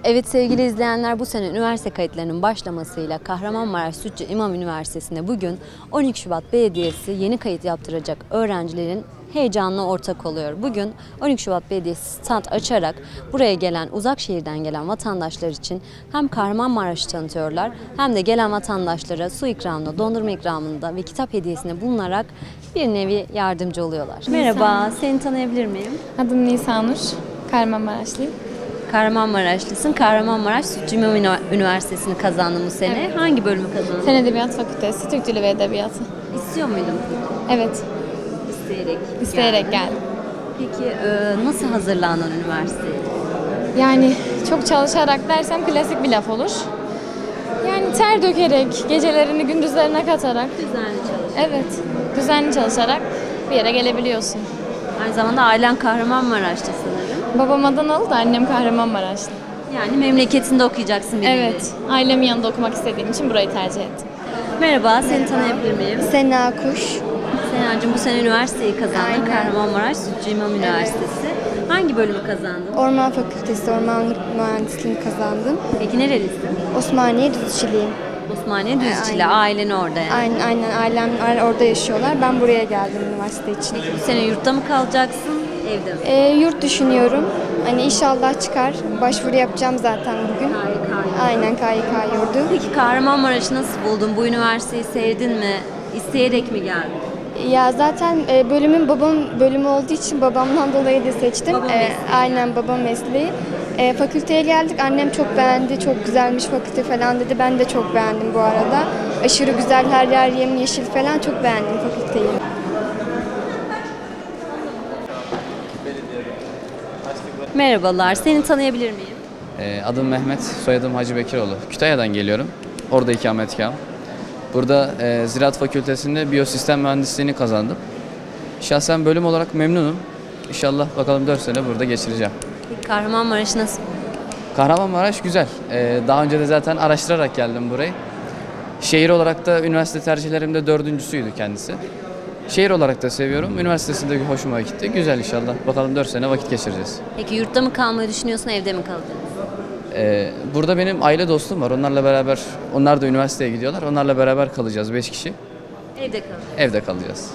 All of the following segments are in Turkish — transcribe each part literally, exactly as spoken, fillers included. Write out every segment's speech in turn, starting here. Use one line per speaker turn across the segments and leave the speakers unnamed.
Evet sevgili izleyenler, bu sene üniversite kayıtlarının başlamasıyla Kahramanmaraş Sütçü İmam Üniversitesi'nde bugün on iki Şubat Belediyesi yeni kayıt yaptıracak öğrencilerin heyecanına ortak oluyor. Bugün on iki Şubat Belediyesi stand açarak buraya gelen, uzak şehirden gelen vatandaşlar için hem Kahramanmaraş'ı tanıtıyorlar hem de gelen vatandaşlara su ikramında, dondurma ikramında ve kitap hediyesinde bulunarak bir nevi yardımcı oluyorlar. Merhaba, seni tanıyabilir miyim?
Adım Nisanur, Kahramanmaraşlıyım.
Kahramanmaraşlısın. Kahramanmaraş Sütçü İmam Üniversitesi'ni kazandın bu sene. Evet. Hangi bölümü kazandın?
Fen Edebiyat Fakültesi, Türk Dili ve Edebiyatı.
İstiyor muydun?
Evet.
İsteyerek.
İsteyerek
geldin.
geldim.
Peki e, nasıl hazırlandın üniversiteye?
Yani çok çalışarak dersem klasik bir laf olur. Yani ter dökerek, gecelerini gündüzlerine katarak.
Düzenli çalışarak.
Evet, düzenli çalışarak bir yere gelebiliyorsun.
Aynı zamanda ailen Kahramanmaraş'ta sanırım.
Babam Adanalı da annem Kahramanmaraşlı.
Yani memleketinde okuyacaksın bir
Evet,
nevi.
ailemin yanında okumak istediğim için burayı tercih ettim.
Merhaba, seni tanıyabilir miyim?
Sena Kuş.
Senacığım, bu sene üniversiteyi kazandın.
Aynen.
Kahramanmaraş Sütçü İmam Üniversitesi. Hangi bölümü kazandın?
Orman Fakültesi Ormanlık Mühendisliğini kazandım.
Peki nerelisin?
Osmaniye Düzçiliyim.
Osmaniye Düzçili.
Aynen.
Ailen orada yani.
Aynen, aynen ailem orada yaşıyorlar. Ben buraya geldim üniversite için.
Bu sene yurtta mı kalacaksın, evde mi?
Ee, yurt düşünüyorum. Hani inşallah çıkar. Başvuru yapacağım zaten bugün.
K Y K.
Aynen K Y K yurdu.
Peki Kahramanmaraş'ı nasıl buldun? Bu üniversiteyi sevdin mi? İsteyerek mi geldin?
Ya zaten e, bölümün babam bölümü olduğu için babamdan dolayı da seçtim.
Baba
E,
mesleği.
aynen baba mesleği. E, fakülteye geldik. Annem çok beğendi. Çok güzelmiş fakülte falan dedi. Ben de çok beğendim bu arada. Aşırı güzel, her yer yemyeşil falan. Çok beğendim fakülteyi.
Merhabalar, seni tanıyabilir miyim?
Ee, Adım Mehmet, soyadım Hacı Bekiroğlu. Kütahya'dan geliyorum. Orada ikametgahım. Burada e, Ziraat Fakültesi'nde biyosistem mühendisliğini kazandım. Şahsen bölüm olarak memnunum. İnşallah bakalım dört sene burada geçireceğim.
Peki Kahramanmaraş nasıl?
Kahramanmaraş güzel. Ee, daha önce de zaten araştırarak geldim burayı. Şehir olarak da üniversite tercihlerimde dördüncüsüydü kendisi. Şehir olarak da seviyorum. Üniversitesinde hoşuma gitti. Güzel inşallah. Bakalım dört sene vakit geçireceğiz.
Peki yurtta mı kalmayı düşünüyorsun, evde mi kalacaksın?
Ee, burada benim aile dostum var. Onlarla beraber, onlar da üniversiteye gidiyorlar. Onlarla beraber kalacağız. Beş kişi.
Evde kalacaksın.
Evde kalacağız.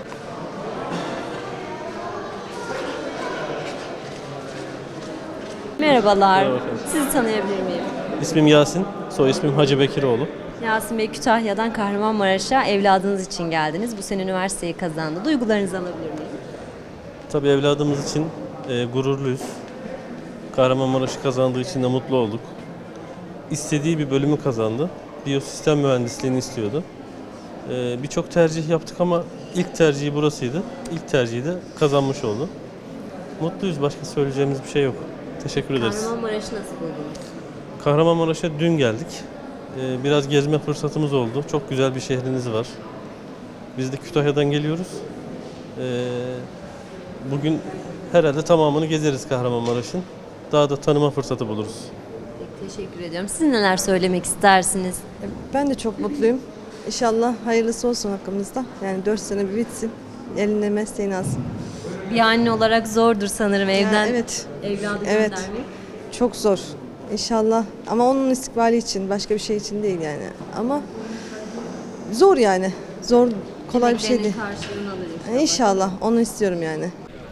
Merhabalar,
Merhaba efendim.
sizi tanıyabilir miyim?
İsmim Yasin, soy ismim Hacı Bekiroğlu.
Yasin Bey, Kütahya'dan Kahramanmaraş'a evladınız için geldiniz. Bu sene üniversiteyi kazandı. Duygularınızı alabilir miyim?
Tabii evladımız için e, gururluyuz. Kahramanmaraş'ı kazandığı için de mutlu olduk. İstediği bir bölümü kazandı. Biyosistem mühendisliğini istiyordu. E, Birçok tercih yaptık ama ilk tercihi burasıydı. İlk tercihi de kazanmış oldu. Mutluyuz, başka söyleyeceğimiz bir şey yok. Teşekkür ederiz.
Kahramanmaraş'ı nasıl buldunuz?
Kahramanmaraş'a dün geldik. Ee, Biraz gezme fırsatımız oldu. Çok güzel bir şehriniz var. Biz de Kütahya'dan geliyoruz. Ee, Bugün herhalde tamamını gezeriz Kahramanmaraş'ın. Daha da tanıma fırsatı buluruz.
Peki, teşekkür ediyorum. Siz neler söylemek istersiniz?
Ben de çok mutluyum. İnşallah hayırlısı olsun hakkımızda. Yani dört sene bir bitsin. Eline mesleğini alsın.
Bir anne olarak zordur sanırım
Ya
evden
evet,
evladı
evet.
göndermek.
Çok zor. İnşallah. Ama onun istikbali için, başka bir şey için değil yani. Ama zor yani. Zor, kolay bir şey değil.
Emeklerinin karşılığını alır inşallah.
İnşallah. Onu istiyorum yani.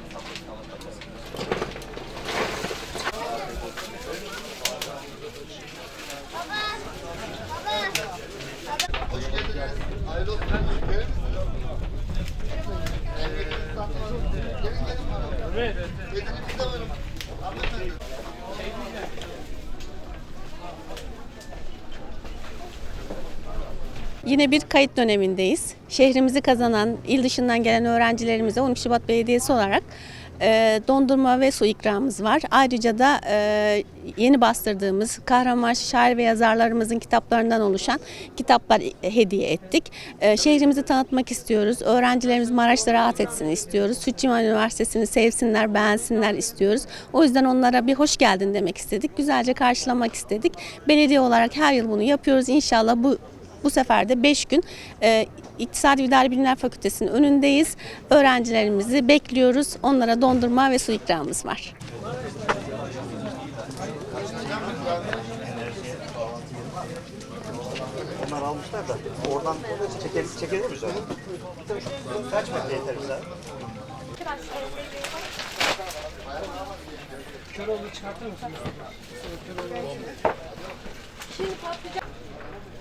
Yine bir kayıt dönemindeyiz. Şehrimizi kazanan, il dışından gelen öğrencilerimize on iki Şubat Belediyesi olarak e, dondurma ve su ikramımız var. Ayrıca da e, yeni bastırdığımız Kahramanmaraş şair ve yazarlarımızın kitaplarından oluşan kitaplar hediye ettik. E, şehrimizi tanıtmak istiyoruz. Öğrencilerimiz Maraş'ta rahat etsin istiyoruz. Sütçü İmam Üniversitesi'ni sevsinler, beğensinler istiyoruz. O yüzden onlara bir hoş geldin demek istedik. Güzelce karşılamak istedik. Belediye olarak her yıl bunu yapıyoruz. İnşallah bu Bu sefer de beş gün e, İktisadi ve İdari Bilimler Fakültesi'nin önündeyiz. Öğrencilerimizi bekliyoruz. Onlara dondurma ve su ikramımız var.
Onlar almışlar da oradan çekebilir, çekebilir miyiz onu? Kaç metre yeter bize?
Köroğlu çıkartır mısınız? Köroğlu. Şimdi patlayacak.